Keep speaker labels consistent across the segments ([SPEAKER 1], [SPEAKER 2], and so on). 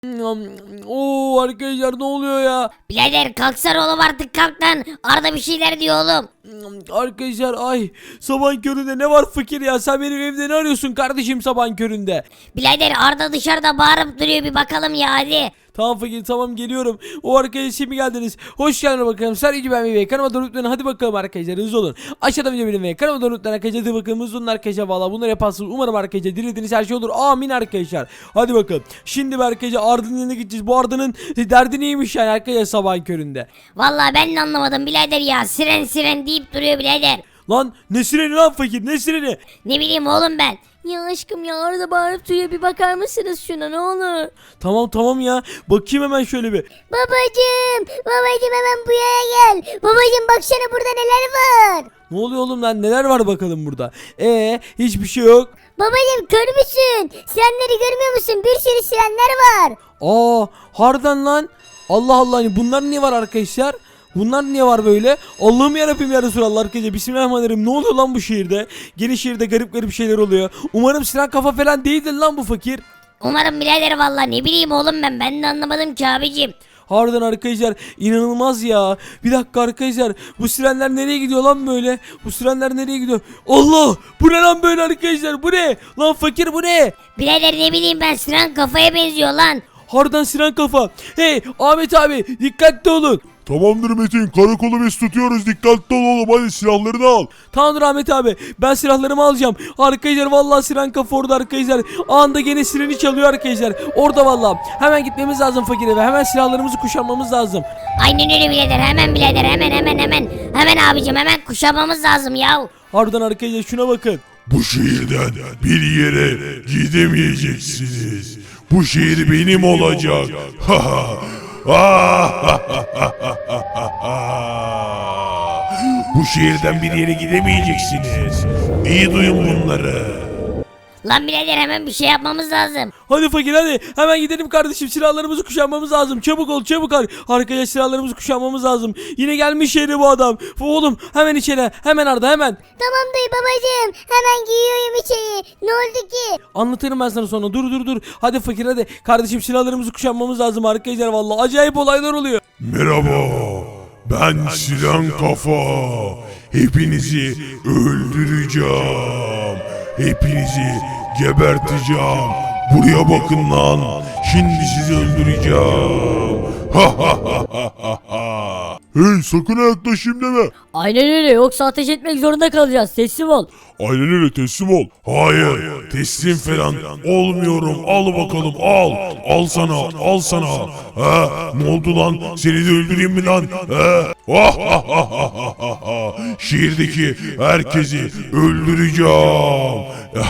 [SPEAKER 1] Oo arkadaşlar ne oluyor ya?
[SPEAKER 2] Birader kalksana oğlum artık kalk lan. Arda bir şeyler diyor oğlum.
[SPEAKER 1] Arkadaşlar ay sabahın köründe ne var fakir ya, sen benim evde ne arıyorsun kardeşim sabahın köründe?
[SPEAKER 2] Birader Arda dışarıda bağırıp duruyor bir bakalım ya hadi.
[SPEAKER 1] Tamam fakir tamam geliyorum. O arkadaşlar şimdi geldiniz. Hoş geldiniz bakalım. Sadece ben ve kanalıma da lütfen hadi bakalım arkadaşlar hızlı olun. Aşağıda video benim ve kanalıma da lütfen arkadaşlar hadi bakalım hızlı olun arkadaşlar. Valla bunları yaparsınız. Umarım arkadaşlar dilediğiniz her şey olur. Amin arkadaşlar. Hadi bakalım. Şimdi bir arkadaşlar Arda'nın yanına gideceğiz. Bu Arda'nın derdi neymiş yani arkadaşlar sabahın köründe.
[SPEAKER 2] Vallahi ben de anlamadım birader ya. Siren siren deyip duruyor birader.
[SPEAKER 1] Lan ne sireni lan fakir, ne sireni?
[SPEAKER 2] Ne bileyim oğlum ben. Ya aşkım ya Arda bağırıp duruyor bir bakar mısınız şuna ne olur.
[SPEAKER 1] Tamam ya. Bakayım hemen şöyle bir.
[SPEAKER 2] Babacım hemen bu yere gel. Babacım baksana burada neler var.
[SPEAKER 1] Ne oluyor oğlum lan, neler var bakalım burada? Hiçbir şey yok.
[SPEAKER 2] Babacım kör müsün? Sirenleri görmüyor musun? Bir sürü sirenler var.
[SPEAKER 1] Harbiden lan. Allah Allah, hani bunlar niye var arkadaşlar? Bunlar niye var böyle? Allah'ım yarabbim ya Resulallah arkadaşlar. Bismillahirrahmanirrahim. Ne oluyor lan bu şehirde? Gene şehirde garip şeyler oluyor. Umarım siren kafa falan değildir lan bu fakir.
[SPEAKER 2] Umarım birader vallahi ne bileyim oğlum ben de anlamadım ki abicim.
[SPEAKER 1] Harbiden arkadaşlar inanılmaz ya. Bir dakika arkadaşlar, bu sirenler nereye gidiyor lan böyle? Bu sirenler nereye gidiyor? Allah, bu ne lan böyle arkadaşlar, bu ne? Lan fakir bu ne?
[SPEAKER 2] Birader ne bileyim ben siren kafaya benziyor lan.
[SPEAKER 1] Harbiden siren kafa. Hey Ahmet abi dikkatli olun.
[SPEAKER 3] Tamamdır Metin, karakolu biz tutuyoruz, dikkatli ol oğlum, hadi silahlarını al.
[SPEAKER 1] Tamamdır Ahmet abi, ben silahlarımı alacağım. Arkadaşlar vallahi siren kafa orada arkadaşlar. Anında gene sireni çalıyor arkadaşlar. Orada vallahi. Hemen gitmemiz lazım fakire ve hemen silahlarımızı kuşanmamız lazım.
[SPEAKER 2] Aynen öyle birader hemen birader hemen. Hemen abicim hemen kuşamamız lazım ya.
[SPEAKER 1] Harbiden arkadaşlar şuna bakın.
[SPEAKER 3] Bu şehirden bir yere gidemeyeceksiniz. Bu şehir benim olacak. Bu şehirden bir yere gidemeyeceksiniz. İyi duyun bunları.
[SPEAKER 2] Lan birader hemen bir şey yapmamız lazım.
[SPEAKER 1] Hadi fakir hadi hemen gidelim kardeşim, silahlarımızı kuşanmamız lazım. Çabuk ol çabuk ol. Arkadaşlar silahlarımızı kuşanmamız lazım. Yine gelmiş yeri bu adam. Oğlum hemen içeri, hemen Arda hemen.
[SPEAKER 2] Tamam dayı babacığım hemen giyiyorum içeri. Ne oldu ki?
[SPEAKER 1] Anlatırım ben sana sonra. Dur. Hadi fakir hadi. Kardeşim silahlarımızı kuşanmamız lazım arkadaşlar vallahi. Acayip olaylar oluyor.
[SPEAKER 3] Merhaba. Ben Siren Kafa. Hepinizi öldüreceğim. Hepinizi geberteceğim. Buraya bakın lan. Şimdi sizi öldüreceğim. Hey, sakın yaklaşayım deme.
[SPEAKER 4] Aynen öyle yoksa ateş etmek zorunda kalacağız. Teslim ol.
[SPEAKER 3] Aynen öyle, teslim ol. Hayır, teslim falan olmuyorum. Al bakalım, al. Al sana. Ne oldu lan? Seni de öldüreyim mi lan? Şehirdeki herkesi öldüreceğim.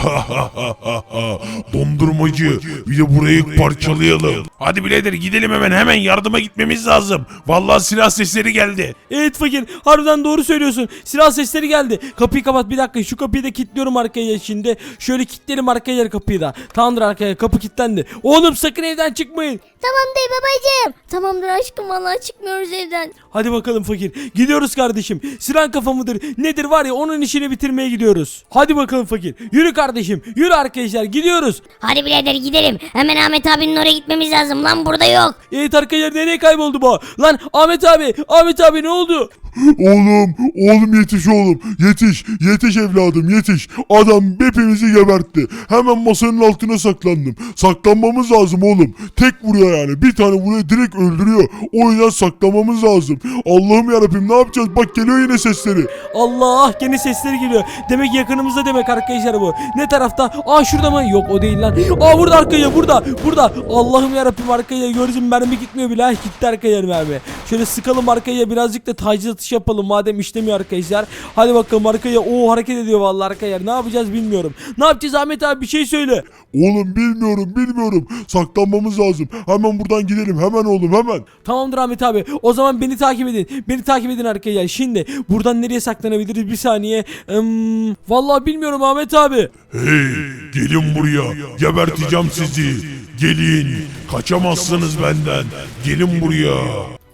[SPEAKER 3] Dondurmacı, bir de burayı parçalayalım. Hadi birader gidelim hemen yardıma gitmemiz lazım. Vallahi silah sesleri geldi.
[SPEAKER 1] Evet fakir, harbiden doğru söylüyorsun. Silah sesleri geldi. Kapıyı kapat bir dakika. Şu kapıyı da kilitliyorum arkaya şimdi. Şöyle kilitlerim arkaya kapıyı da. Tamamdır arkaya, kapı kilitlendi. Oğlum sakın evden çıkmayın.
[SPEAKER 2] Tamam dayı babacığım. Tamamdır aşkım vallahi çıkmıyoruz evden.
[SPEAKER 1] Hadi bakalım fakir. Gidiyoruz kardeşim. Siren kafa mıdır nedir var ya, onun işini bitirmeye gidiyoruz. Hadi bakalım fakir. Yürü kardeşim. Yürü arkadaşlar, gidiyoruz.
[SPEAKER 2] Hadi birader gidelim. Hemen Ahmet abinin oraya gitmemiz lazım lan burada yok.
[SPEAKER 1] Evet arkadaşlar, nereye kayboldu bu? Lan Ahmet abi ne oldu?
[SPEAKER 3] Oğlum yetiş oğlum. Yetiş evladım yetiş. Adam hepimizi gebertti. Hemen masanın altına saklandım. Saklanmamız lazım oğlum. Tek vuruyor yani. Bir tane vuruyor direkt öldürüyor. O yüzden saklamamız lazım. Allah'ım yarabbim, ne yapacağız? Bak geliyor yine sesleri.
[SPEAKER 1] Allah, gene sesleri geliyor. Demek yakınımızda demek arkadaşlar bu. Ne tarafta? Şurada mı? Yok o değil lan. Burada arkadaşlar, burada. Allah'ım yarabbim arkadaşlar, gördüm mermi gitmiyor bile. Gitti arkadaşlar mermi. Şöyle sıkalım arkadaşlar, birazcık da taciz atış yapalım madem işlemiyor arkadaşlar. Hadi bakalım arkadaşlar. Hareket ediyor vallahi arkadaşlar. Ne yapacağız bilmiyorum. Ne yapacağız Ahmet abi, bir şey söyle.
[SPEAKER 3] Oğlum bilmiyorum. Saklanmamız lazım. Hemen buradan gidelim. Hemen oğlum hemen.
[SPEAKER 1] Tamamdır Ahmet abi. O zaman beni takip edin. Beni takip edin arkadaşlar. Şimdi buradan nereye saklanabiliriz? Bir saniye. Vallahi bilmiyorum Ahmet abi.
[SPEAKER 3] Hey, gelin buraya. Geberteceğim sizi. Gelin. Kaçamazsınız benden. Gelin buraya.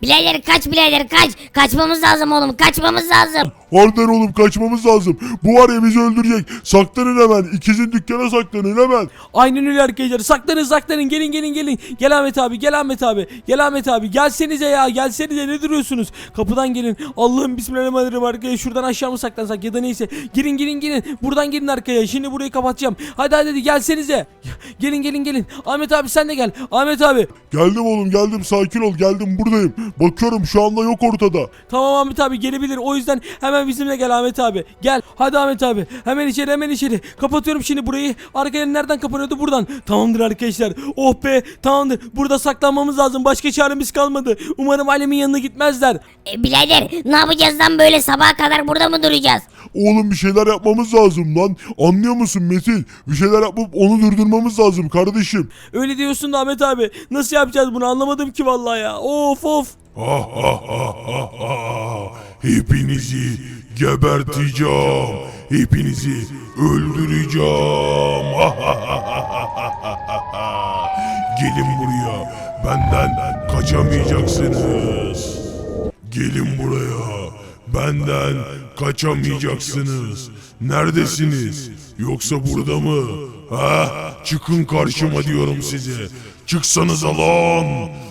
[SPEAKER 2] Birader kaç birader kaç. Kaçmamız lazım oğlum kaçmamız lazım.
[SPEAKER 3] Harbiden oğlum kaçmamız lazım. Bu var ya bizi öldürecek. Saklanın hemen. İkizin dükkana saklanın hemen.
[SPEAKER 1] Aynen öyle arkadaşlar. Saklanın gelin. Gel Ahmet abi gel Ahmet abi gelsenize ya gelsenize ne duruyorsunuz? Kapıdan gelin. Allah'ım bismillahirrahmanirrahim arkadaşlar. Şuradan aşağı mı saklansak ya da neyse. Girin. Buradan gelin arkaya. Şimdi burayı kapatacağım. Hadi gelsenize. Gelin. Ahmet abi sen de gel. Ahmet abi.
[SPEAKER 3] Geldim oğlum geldim. Sakin ol geldim buradayım. Bakıyorum şu anda yok ortada.
[SPEAKER 1] Tamam Ahmet abi gelebilir. O yüzden hemen bizimle gel Ahmet abi. Gel. Hadi Ahmet abi. Hemen içeri. Kapatıyorum şimdi burayı. Arkaya nereden kapanıyordu? Buradan. Tamamdır arkadaşlar. Oh be. Tamamdır. Burada saklanmamız lazım. Başka çaremiz kalmadı. Umarım Alem'in yanına gitmezler.
[SPEAKER 2] Birader ne yapacağız lan böyle sabaha kadar burada mı duracağız?
[SPEAKER 3] Oğlum bir şeyler yapmamız lazım lan. Anlıyor musun Metin? Bir şeyler yapıp onu durdurmamız lazım kardeşim.
[SPEAKER 1] Öyle diyorsun da Ahmet abi. Nasıl yapacağız bunu anlamadım ki vallahi ya. Of.
[SPEAKER 3] Hepinizi geberteceğim. Hepinizi öldüreceğim. Gelin buraya. Benden kaçamayacaksınız. Gelin buraya. Benden kaçamayacaksınız. Neredesiniz? Yoksa burada mı? Ha? Çıkın karşıma diyorum size. Çıksanıza lan.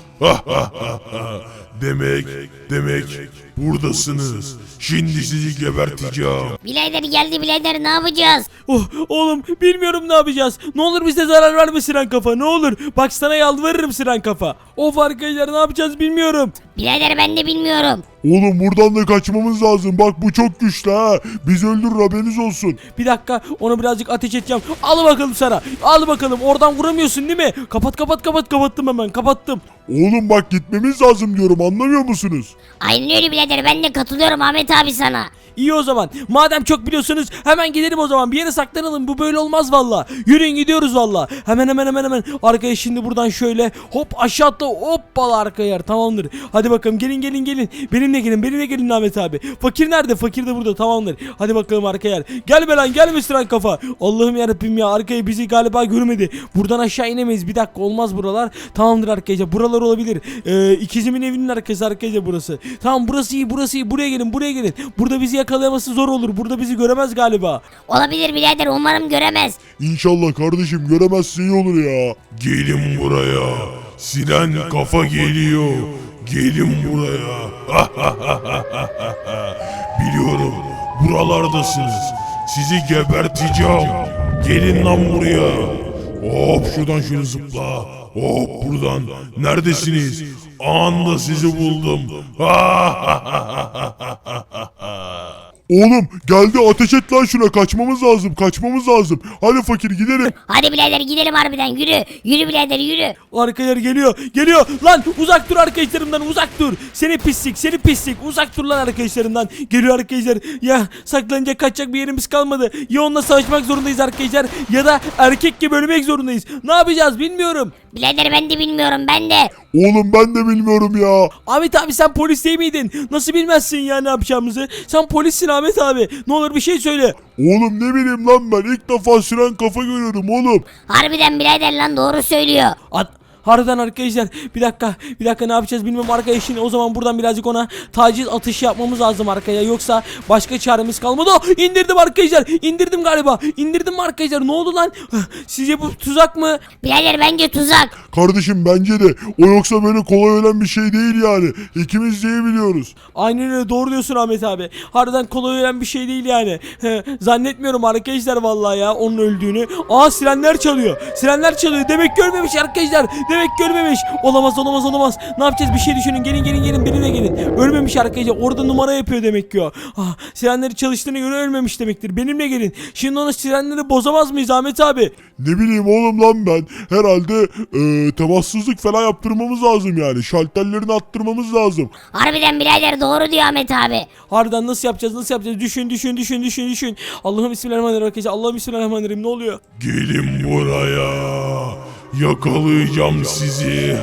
[SPEAKER 3] Demek buradasınız. Şimdi sizi geberteceğim.
[SPEAKER 2] Birader geldi birader ne yapacağız?
[SPEAKER 1] Oh, oğlum bilmiyorum ne yapacağız. Ne olur bize zarar verme Siren Kafa ne olur. Bak sana yalvarırım Siren Kafa. Of arkadaşlar ne yapacağız bilmiyorum.
[SPEAKER 2] Birader ben de bilmiyorum.
[SPEAKER 3] Oğlum buradan da kaçmamız lazım. Bak bu çok güçlü ha. Bizi öldürür haberiniz olsun.
[SPEAKER 1] Bir dakika onu birazcık ateş edeceğim. Al bakalım sana. Al bakalım oradan vuramıyorsun değil mi? Kapattım hemen kapattım.
[SPEAKER 3] Oğlum bak gitmemiz lazım diyorum anlamıyor musunuz?
[SPEAKER 2] Aynen öyle birader ben de katılıyorum Ahmet abi sana.
[SPEAKER 1] İyi o zaman. Madem çok biliyorsunuz hemen gidelim o zaman. Bir yere saklanalım. Bu böyle olmaz valla. Yürüyün gidiyoruz valla. Hemen. Arkaya şimdi buradan şöyle hop aşağı atla hoppala arkaya. Tamamdır. Hadi bakalım gelin. Benimle gelin Ahmet abi. Fakir nerede? Fakir de burada tamamdır. Hadi bakalım arkaya. Gel be lan gelme Siren Kafa. Allah'ım yarabbim ya arkaya bizi galiba görmedi. Buradan aşağı inemeyiz. Bir dakika olmaz buralar. Tamamdır arkadaşlar. Buralar olabilir. İkizimin evinin arkası arkadaşlar burası. Tamam burası iyi. Buraya gelin. Burada bizi yakalayaması zor olur. Burada bizi göremez galiba.
[SPEAKER 2] Olabilir birader umarım göremez.
[SPEAKER 3] İnşallah kardeşim göremezse iyi olur ya. Gelin buraya. Siren Kafa geliyor. Gelin buraya. Biliyorum buralardasınız. Sizi geberteceğim. Gelin lan buraya. Hop şuradan şöyle zıpla. Hop buradan. Neredesiniz? Anında sizi buldum. Oğlum geldi ateş et lan şuna kaçmamız lazım. Hadi fakir gidelim.
[SPEAKER 2] Hadi birader gidelim harbiden yürü. Yürü birader yürü.
[SPEAKER 1] Arkadaşlar geliyor lan uzak dur arkadaşlarımdan uzak dur seni pislik uzak dur lan arkadaşlarımdan geliyor arkadaşlar ya saklanacak kaçacak bir yerimiz kalmadı ya onunla savaşmak zorundayız arkadaşlar ya da erkek gibi ölmek zorundayız ne yapacağız bilmiyorum.
[SPEAKER 2] Birader ben de bilmiyorum ben de.
[SPEAKER 3] Oğlum ben de bilmiyorum ya.
[SPEAKER 1] Ahmet abi sen polis değil miydin nasıl bilmezsin ya ne yapacağımızı sen polissin Ahmet abi ne olur bir şey söyle.
[SPEAKER 3] Oğlum ne bileyim lan ben ilk defa Siren Kafa görüyorum oğlum.
[SPEAKER 2] Harbiden birader lan doğru söylüyor.
[SPEAKER 1] Harbiden arkadaşlar bir dakika ne yapacağız bilmiyorum arkadaşlar o zaman buradan birazcık ona taciz atışı yapmamız lazım arkaya yoksa başka çaremiz kalmadı. İndirdim arkadaşlar indirdim galiba indirdim mi arkadaşlar ne oldu lan sizce bu tuzak mı?
[SPEAKER 2] Birader bence tuzak.
[SPEAKER 3] Kardeşim bence de o yoksa böyle kolay ölen bir şey değil yani. İkimiz de iyi biliyoruz.
[SPEAKER 1] Aynen öyle doğru diyorsun Ahmet abi harbiden kolay ölen bir şey değil yani zannetmiyorum arkadaşlar vallahi ya onun öldüğünü. Sirenler çalıyor demek görmemiş arkadaşlar. Demek görmemiş. Olamaz. Ne yapacağız? Bir şey düşünün. Gelin benimle gelin. Ölmemiş arkadaşlar. Orada numara yapıyor demek ki o. Sirenleri çalıştığına göre ölmemiş demektir. Benimle gelin. Şimdi ona sirenleri bozamaz mıyız Ahmet abi?
[SPEAKER 3] Ne bileyim oğlum lan ben. Herhalde temassızlık falan yaptırmamız lazım yani. Şalterlerini attırmamız lazım.
[SPEAKER 2] Harbiden birader doğru diyor Ahmet abi.
[SPEAKER 1] Harbiden nasıl yapacağız? Düşün. Allah'ım bismillahirrahmanirrahim arkadaşlar. Allah'ım bismillahirrahmanirrahim. Ne oluyor?
[SPEAKER 3] Gelin buraya. Yakalayacağım sizi.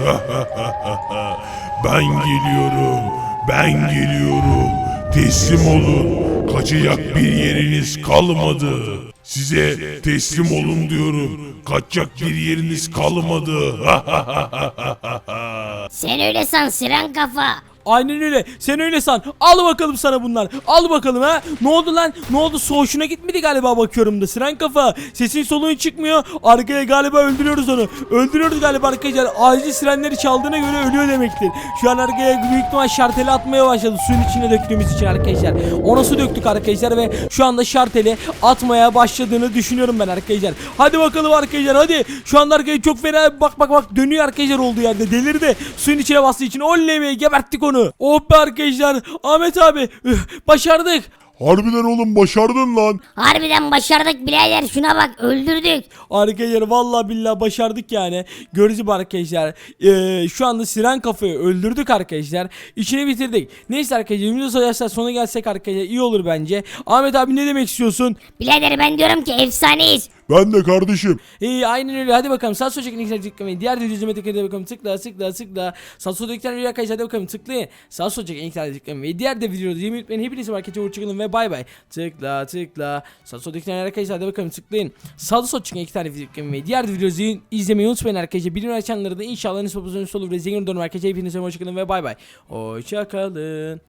[SPEAKER 3] Ben geliyorum. Teslim olun. Kaçacak bir yeriniz kalmadı. Size teslim olun diyorum. Kaçacak bir yeriniz kalmadı.
[SPEAKER 2] Sen öyle san Siren Kafa.
[SPEAKER 1] Aynen öyle. Sen öyle san. Al bakalım sana bunlar. Al bakalım ha. Ne oldu lan? Ne oldu? Hoşuna gitmedi galiba bakıyorum da. Siren kafa. Sesin soluğun çıkmıyor. Arkaya galiba öldürüyoruz onu. Öldürüyoruz galiba arkadaşlar. Acil sirenleri çaldığına göre ölüyor demektir. Şu an arkaya büyük ihtimal şarteli atmaya başladı. Suyun içine döktüğümüz için arkadaşlar. Ona su döktük arkadaşlar ve şu anda şarteli atmaya başladığını düşünüyorum ben arkadaşlar. Hadi bakalım arkadaşlar hadi. Şu anda arkaya çok fena bak dönüyor arkadaşlar olduğu yerde. Delirdi. Suyun içine bastığı için oley be, geberttik onu. Oh be arkadaşlar. Ahmet abi başardık.
[SPEAKER 3] Harbiden oğlum başardın lan.
[SPEAKER 2] Harbiden başardık birader, şuna bak, öldürdük.
[SPEAKER 1] Arkadaşlar vallahi billahi başardık yani. Gördüğünüz gibi arkadaşlar. Şu anda Siren kafayı öldürdük arkadaşlar. İçini bitirdik. Neyse arkadaşlar videosu sona gelsek arkadaşlar iyi olur bence. Ahmet abi ne demek istiyorsun?
[SPEAKER 2] Birader ben diyorum ki efsaneyiz.
[SPEAKER 3] Ben de kardeşim.
[SPEAKER 1] Aynen öyle. Hadi bakalım. Sağ sol çekin ilk tıklamayın. Diğer videocuğuma tıklayın. Hadi bakalım. Tıkla. Sağ sol tıklayan video arkadaşlar. Hadi bakalım tıklayın. Sağ sol çekin ilk tıklamayın. Ve diğer de videoda yemin unutmayın. Hepinize markete uğurçakalın ve bay bay. Tıkla. Sağ sol tıklayan arkadaşlar. Hadi bakalım tıklayın. Sağ sol çekin iki tane video tıklamayın. Ve diğer videoyu izlemeyi unutmayın arkadaşlar. Bildirim açanları da inşallah nispi pozisyonu olur. Ve zengin olur arkadaşlar. Hepinize hoşçakalın ve bay bay. Hoşçakalın.